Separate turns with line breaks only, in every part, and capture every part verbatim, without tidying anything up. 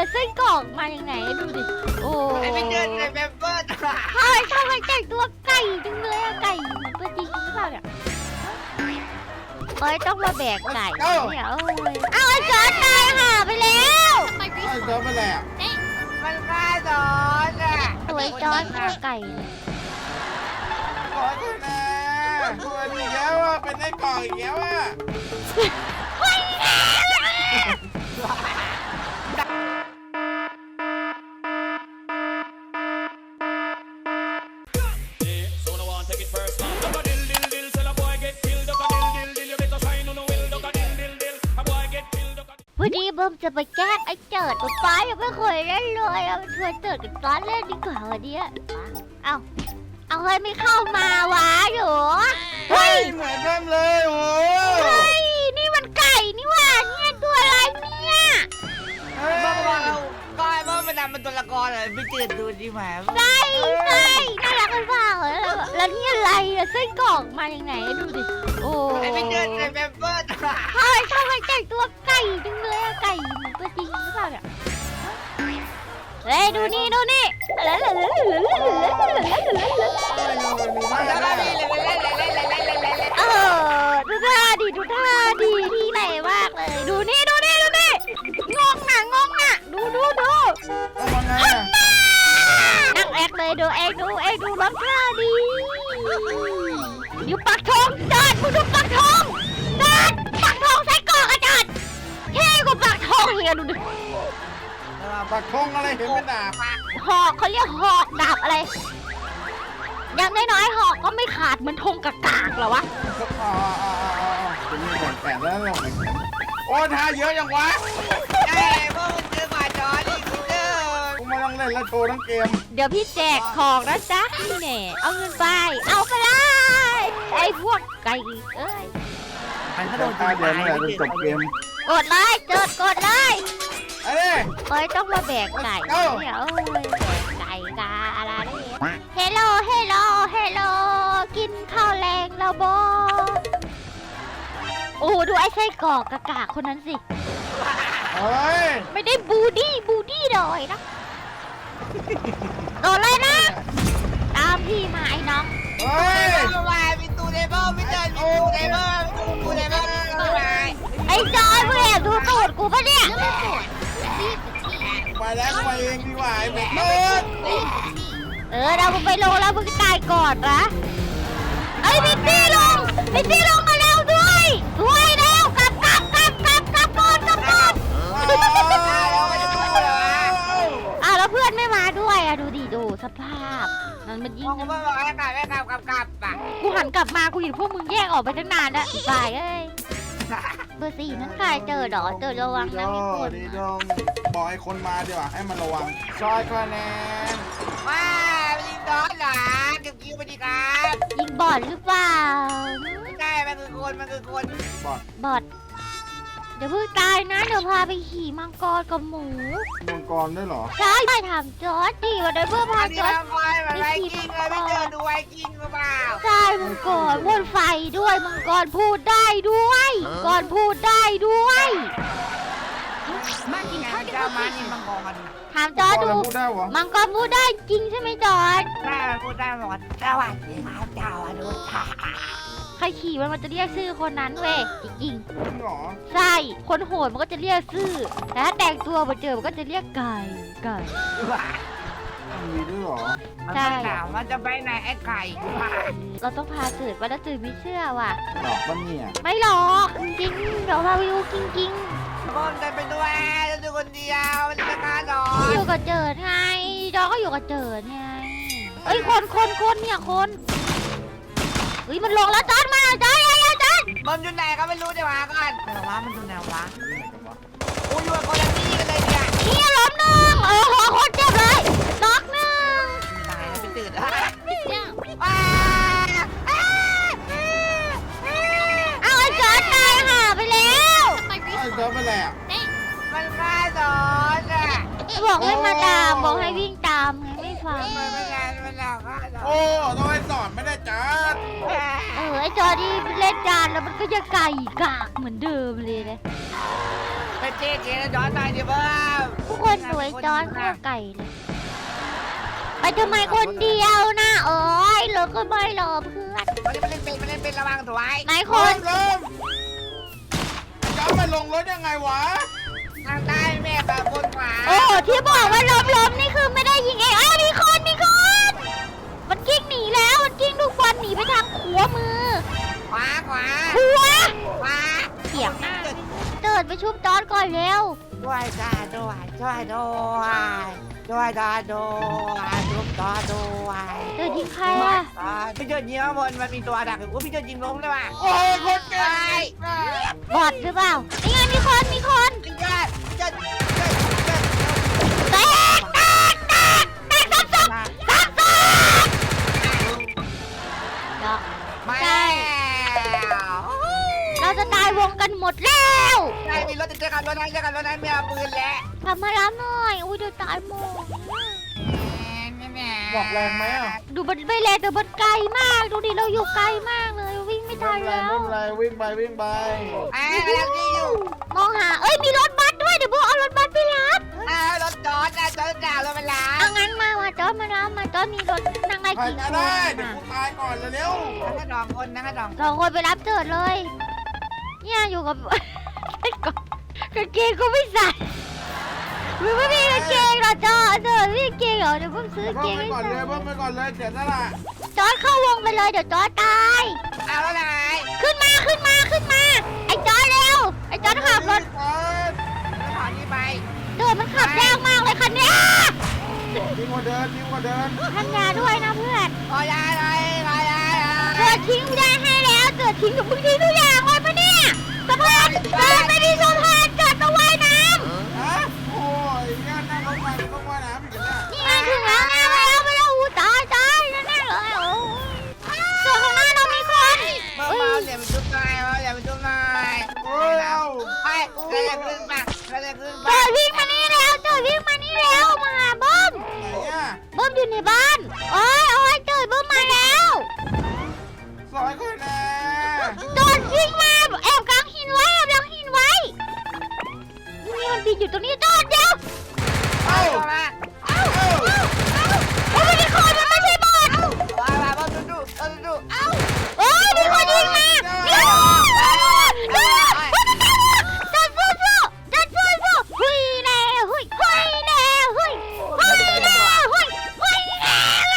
อะไส้กรอกมาอย่างไหนดูดิโอ้ย
ไอ้ไม่เจอในเมมเบอร์
เฮ้ยทำไมแต่งตัวไก่จังเลยอะไก่เหมือนตัวจริงหรือเปล่าเนี่ยเฮ้ยต้องมาแบกไก่เนี่ยเอ้ยเอาไอ้จอร์จตายห่าไปแล้ว
ไอ้เจ้าไปแล้ว
มันฆ่าจอนอ่ะ
ตัวไอ้จอร์จฆ่าไก่เลย
ขอโทษนะตัวอีกแล้วอ่ะเป็นไอ้กล่องอีกแล้วอ่ะ
พอดีเบิ้มจะไปแกล้งไอ้เจิดตัวป้ายังไม่เคยเล่นเลยเอาชวนเจิดกับตอนเล่นดีกว่าวันนี้เอาเอาเฮ้ยไม่เข้ามาวะอยู่
เฮ้ยเหมือนเดิมเลยโอ้
เฮ้ยนี่มันไก่นี่หว่าเนี่ยตัวอะไรเนี่ย
เฮ้ย
เมื่อวานก็ไอ้เมื่อมันนำเป็นตัวละครเลยไปเจอดูดีไหม
ไส้ไส้น่ารักกันเปล่าแล้วแล้วนี่อะไรอะไส้กรอกมาอย่างไหนดูดิโอ้
ไอ้
ย
ไม่เจอในเมมเบอร์
เฮ้ยทำไมแต่งตัวไก่จังเลยอะไก่เหมือนตัวจริงหรือเปล่าเนี่ยเฮ้ยดูนี่ดูนี่แล้วแล้วแล้วแล้วแล้วแล้วแล้ว
แล้วก็มีเลยเล่นเล่นเล่นเล่นเล่นเล่นเล่น
เออดูท่าดิดูท่าดีที่ไหนมากเลยดูนี่ดูนี่ดูนี่งงน่ะงงน่ะดูดูดู
เอามาไงอ่ะ
นั่งแอกเลยดูเอกดูเอกดูรับท่าดีอยู่ปักธงจอดมึงดูปักธงจอดปักธงใส่กรอกอะจอดเท่กว่าปักธงเลยอะดูดิ
ปักธงอะไรเห็นเป็นดาบ
หอกเขาเรียกหอกดาบอะไรอย่างน้อยๆหอกก็ไม่ขาดเหมือนธงกากากเหรอวะ
อ๋ออ๋ออ๋อเป็นมีแขนแขนแล้วลงโอ้ท่าเยอะจังวะ
ไอ้เมื่อมันเจอมาจอนอีกเจอ
กูมาต้องเล่นแล้วโชว์ทั้งเกม
เดี๋ยวพี่แจกของนะจ๊ะนี่แน่เอาเงินไปเอาไปเลยไอ้พวกไก่เอ้ย
มันก็
โด
โด
น
น
ท่าเดียวนี่แหละจนจบเกม
กดเลยเจิดกดเลย
ไอ้เนี่ย
เฮ้ยต้องมาแบกไก่
เอ้า
เดี๋ยวเอ้ยแบกไก่กาอะไรเนี่ยเฮลโลเฮลโลเฮลโลกินข้าวแรงแล้วบอโอ้โหดูไอ้ไส้กรอกกากาคนนั้นสิ
เฮ้ย
ไม่ได้บูดี้บูดี้เลยนะโดนเลยนะตามพี่มาไอ้น้อง
เฮ้ย
เมื่อวานมีตูเดเบิลไม่เจอมีตูเดเบิลตูเดเบิลเมื่อวาน
ไอ้จอยมึงแอบดูตูดกูปะเนี่ย
ไปแล้วไปเองดีกว่าไอ้เบ็ดเบิด
เออเรามึงไปลงแล้วมึงตายก่อนนะไอ้พิตตี้ลงพิตตี้ลงมาแล้วด้วยด้วยแล้วกลับกลับกลับกลับกลับก่อนกลับก่อนอ้าวแล้วเพื่อนไม่มาด้วยอะดูดิดูสภาพมันมันยิ
มอง ง
กัน
เมื่อวานกลับไม่กลับกลับกลับอ่ะ
กูหันกลับมากูเห็นพวกมึงแยกออกไปตั้งนานแล้วตายเอ้ยเบอร์สี่นั้นใครเจอดอเจอระวังนะมีคน
ดีดงบอกไอ้คนมาดีกว่าให้มันระวังซอยคะแนน
ว้ายิงดอนเหรอเก็บคิวไปดีครับ
ยิงบอดหรือเปล่า
ไม่ใช่มันคือคนมันคือคน
บอด
บอดเดี๋ยวเพิ่งตายนะเดี๋ยวพาไปขี่มังกรกับหมู
มังกรด้วยเหรอ
ใช่ไปถามจอร์ดดิวันนี้เพื่อพา
อัน
จ
นี้
อร์ด
มันคอยแบบไวกิ้งเลยไม่เจอดูไวกิ้งหรือเปล่า
ใช่มังกรพ่นไฟด้วยมังกรพูดได้ด้วยก่อนพูดได้ด้วย
มากินข้าวเจ้ามานี่มังกร
ถามจอร์ดดู
พูดได้เหรอ
มังกรพูดได้จริงใช่ไหมจอร์ด
ได้พูดได้หมดสวัสดีครับเจ้าอนุชา
ใครขี่มันมันจะเรียกชื่อคนนั้นเว้ยจริง
จริงเหรอ
ๆใช่คนโหดมันก็จะเรียกชื่อแต่ถ้าแต่งตัวมาเจอมันก็จะเรียกไก่ไก่
มีด้วยเหรอ
มันไม่ถามว่าจะไปไหนไอ้ไก่
เราต้องพาจืดว่าแล้วจืดไม่เชื่อว่ะ
หลอกปะเนี่ย
ไม่หรอกจริงๆเดี๋ยวพาไปดูจริง
คนจะไปด้วยจะดูคนเดียวมันจะฆ่าดอ
ๆ
น
อยู่กับเจิดไงจอก็อยู่กับเจิดไงเอ้ยคนคนคนเนี่ยคนเฮ้ยมันลงแล้วจอดมาแล้วจอดยังยังจอด
มันอยู่ไหนก็ไม่รู้เดี๋ยวหาก่อนแต่ว่ามันอยู่ไหนวะโอ้ยอยู่กับคนละที่กันเลยเนี่ย
นี่ล้มหนึ่งเออหัวคนเจ็บเลยน็อกหนึ่ง
ตายแล้วไปตื่นว้า
เอาไอ้จอดตายห่าไปแล้ว
ไอ้เจ้าไปแล้ว
มันฆ่าดอนอ่ะ
บอกให้มาตามบอกให้วิ่งตามไงไม่ฟัง
มันไม่งานมันหลอกฆ่าดอน
โอ้ต้องให้สอนไม่ได้จัด
เออไอ้จอดีเล่นจานแล้วมันก็จะไก่กากเหมือนเดิมเลยนะ
ไปเจ๊เจ๊จอดหน่อยดิเบิ้ม
ทุกคนสวยจอนข้าวไก่เลยไปทำไมคนเดียวนะโอ้ยเราก็ไม่รอเพื่อน
มันเล่นเป็นมันเล่นเป็นระวังถวาย
ไหนค
ล
น
มลมจะมาลงรถยังไงวะ
ทางใต้แม่แบบบนขวา
โอ้ที่บอกว่าล้มล้มนี่คือไม่ได้ยิงเองอ้าวมีคนมีคนมันกิ้งหนีแล้วมันกิ้งลูกบอลหนีไปทางขวามือ
ขวาขวา
ขวา
ขวา
เสียงมากเดินไปชุบจอนก่อนเร็ว
ด้วยจ้าด้วยช่วยด้วยช่วยจ้าด้วยทุบจ้าด้วย
เดินยิงใครอะ
พี่เจิดยิงข้างบนมันมีตัวดักอยู่พี่เจิดยิงล้มเลยว่ะ
โอ้ยคนเก่ง
บอดหรือเปล่านี่ไงมีคนมีคน
พี่เจิดพี่เจิด
แตกแตกแตกแตกซ้ำซ้ำซ้ำซ้ำเนาะ
มา
ใช่
แล้ว
เราจะตายวงกันหมดแล้ว
ใช่มีรถจะเจอกันรถนั้นเจอกันรถนั้นมีอาปืนแล้ว
ทำมารับหน่อยอุ้ยเดี๋ยวตายหมด
บอกแรงไหมอ่ะ
ดูมันไม่แรงแต่มันไกลมากดูดิเราอยู่ไกลมากเลยวิ่งไม่ทัน
ไม่
แล้ว
เป็นไรวิ่งไปวิ่งไป
อ่ากำลังยิงอยู่
มองหาเอ้ยมีรถบัสด้วยเดี๋ยวพวกเอารถบัสไปรับ
อ่ารถจอดนะจอดจ่ารถมันล้า
เอางั้นมามาจอดมารับมาจอดมีรถนั่งไง
ใคร
กี่
ก็
คน
ได้เดี๋ยวกูตายก่อนเร็ว
นั่งกระดองคนนั่งกระดอง
สองคนไปรับเจิดเลย เนี่ยอยู่กับ กางเกงก็ไม่ใส่ไม่ไม่มีกางเกงหรอจอดเจิดไม่มีกางเกงเหรอเดี๋ยวผมซื้อ
ๆ
กางเก
เพิ่ม
ง
ไป
ให้
ก่อนเลยเพิ่มไปก่อนเลยเดี๋ยวนั่นแหละ
จอดเข้าวงไปเลยเดี๋ยวจอดตาย
เอาแล้วไง
ขึ้นมาขึ้นมาขึ้นมาไอ้จอดเร็วไอ้จอดขับรถ
ก่อน
ถอนนี้ไป
เดินมันขับยากมากเลยคันเนี้ย
ดีกว่าเดินดีกว่าเดิน
ทันยาด้วยนะเพื่อน
ขอยาหน่อยขอยาหน่อย
เกิดทิ้งไม่ได้ให้แล้วเกิดทิ้งกับมึงทิ้งทุกอย่างเลยปะเนี่ยสะพานเกิดไม่มีสะพานเกิดต้องว่ายน้
ฮะโอ้ยเนี่ยนั่งรถไฟต้องว่ายน้ำอีกแล้ว
ำนี่ไงถึงแล้วไงไปแล้วไปแล้วอู้ตายตายแน่ๆเลยโอ้ส่วนข้างหน้าเรามีคน
เมื่อเมาอย่าไปจุ๊บหน่อยเมาอย่าไปจุ๊บหน่อย
โอ้ยเอา
ไปเราจะขึ้นมาเราจะขึ้นมา
เกิดวิ่งมานี่แล้วเกิดวิ่งมานี่แล้วมาหาเบิ้ม
ไหนอ่ะ
เบิ้มอยู่ในบ้านโอ้ยโอ้ยเกิดเบิ้มมาแล้ว
ซอยคนแน่
โดนวิ่งมาแอบกลางหินไว้แอบกลางหินไว้นี่มันบินอยู่ตรงนี้โดนเดียว
เอ้า
เข้ามา
เอ้า
โอ้ยมีคนมันไม่ใช่บอล
ว้าวว้าวดูดูดูดูเอ้า
โอ้ยมีคนยิงมาเดี๋ยวจัดสู้สู้จัดสู้สู้หุยแน่หุยหุยแน่หุยหุยแน่หุยหุยแน่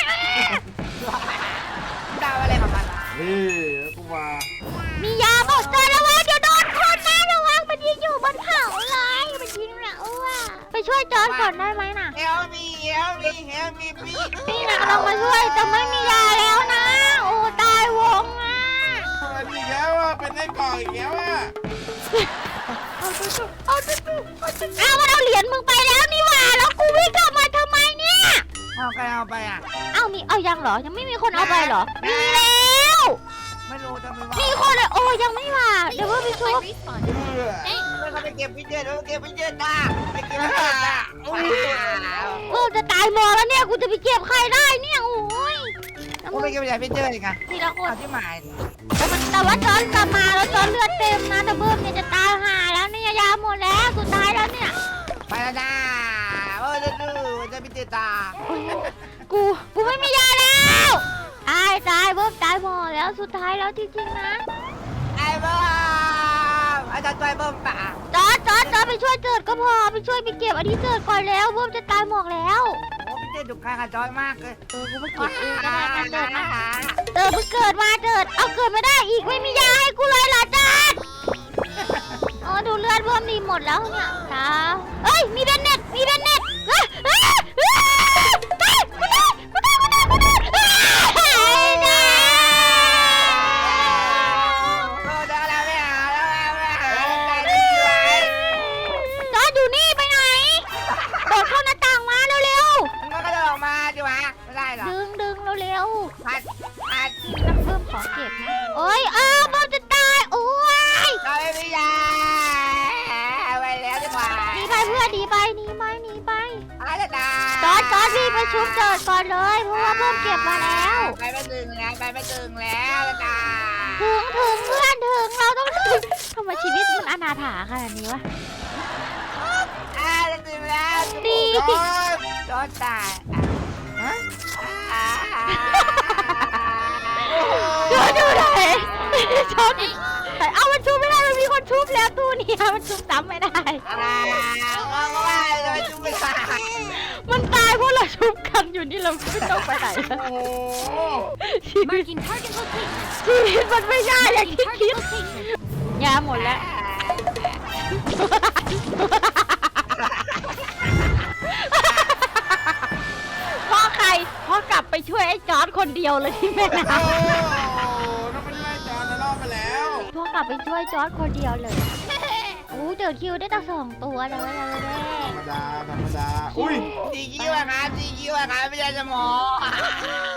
ดาวอะไรของมัน
นี่แล้วกูมา
มียาบอกเจอระวังเดี๋ยวโดนคนนะระวังมันยิงอยู่บนเขาเลยมันยิงเราอ่ะไปช่วยจอนก่อนได้ไหมน่ะ
เฮลมีเฮลมีเฮลมีพี่
นี่นะเรามาช่วยแต่ไม่มียาแล้วนะ โอ้ตายวงอ่ะ
เป็นอีกแล้วอ่ะเป็นไอ้กล่องอีกแล้วอ่ะ
เอาตุ๊ตุ๊เอาตุ๊ตุ๊เอาตุ๊ตุ๊เอามันเอาเหรียญมึงไปแล้วนี่หว่าแล้วกูวิ่งกลับมาทำไมเนี่ย
เอาใครเอาไปอ่ะ
เอามีเอายังเหรอ ยังไม่มีคนเอาไปเหรอ มีแล้ว
ไม่รู้จะมีว่า
มีคนเลยโอ้ยังไม่มาเดี๋ยวว่าไปชุบ
เออ
เขาไปเก็บพี่เจนเขาเก็บพี่เจนตาไปเก็บพี่เจนตา
กูจะตายหมอแล้วเนี่ยกูจะไปเก็บใครได้เนี่ยโอ้ย
ผมไปเก็บพี่เจนอีกอ่ะ
ทีละคน
เอาที่หมาย
แต่มันแต่ว่าจอนกลับมาแล้วจอนเลือดเต็มนะแต่เบิ้มเนี่ยจะตายห่าแล้วเนี่ยยาหมดแล้วสุดท้ายแล้วเนี่ย
ไปแล้วนะโอ้ดูดูจะพี่เจนตา
กูกูไม่มียาแล้วตายตายเบิ้มตายหมดแล้วสุดท้ายแล้วจริงๆนะ
ไอ้บ้าอาจารย์ตัวไอ้บ้าป่ะ
จอดจอดจอดไปช่วยเจิดก็พอไปช่วยไปเก็บอันนี้เจิดก่อนแล้วเบิ้มจะตายหมดแล้ว
โอ้พี่เจนดุใครกับจอยมากเลย
เออกูไปเก็บเองก็ได้นะเจิดนะเจิดเพิ่งเกิดมาเจิดเอาเกิดไม่ได้อีกไม่มียาให้กูเลยเหรอเจิดอ๋อดูเลือดเบิ้มดีหมดแล้วเนี่ยตาเอ้ยมีแบนเน็ตมีแบนเน็ตเอ้ยเอ้ยเอ้ยตายกูตายกูตายกูตายกูตายเอ้ยนะ
โอ้ได้แล้วไม่เอาแล้วไม่เอาใจดีไว้
จอดอยู่นี่ไปไหนโดดเข้าหน้าต่างมาเร็ว
มันก็จะออกมาดิวะไม่ได้หร
ๆ
อ
ดึงดึงเร็ว
พัดพัด
ๆนักเพิ่มขอเก็บนะโอ้ยอ้าวบอมจะตายโอ้ย
เราไม่มียาไปแล้วดีกว่า
หนีไปเพื่อนหนีไปหนีไปหนีไป
อาจารย์
จอดจอดรีบไปชุบเจิดก่อนเลยเพราะว่าเพิ่มเก็บมาแล้ว
ไปไม่ถึงแล้วไปไม่ถึงแล้วอาจารย์
ถึงถึงเพื่อนถึงเราต้องถึงทำไมชีวิตมันอนาถาขนาดนี้วะดี
จอด
จอดตาย
ฮะ
จอดดูไหนจอดแต่เอามันชุบไม่ได้มันมีคนชุบแล้วตู้นี้มันชุบซ้ำไม่ได้
อ่าว่าว่าเลยจุ๊บไม่ได้
มันตายเพราะเราชุบกันอยู่นี่เราไม่ต้องไปไหนแล้ว
โอ้โห
ชีวิต
Marking target location.
ชีวิตมันไม่ได้อย่าง
Marking
ที่คิด
target location.
ยาหมดแล้ว พ่อใครพ่อกลับไปช่วยไอ้จอร์ดคนเดียวเลยที่แม่น้
โอ้โหน้องไม่ได้จอดนะรอบไปแล้ว
ำพ่อกลับไปช่วยจอร์ดคนเดียวเลยโอ้เจอคิวได้ตั้งสองตัวเลยเลย
ธรรมดาธรรมดาอุ้ย
จีคิวอะครับจีคิวอะครับไม่ใช่สมอง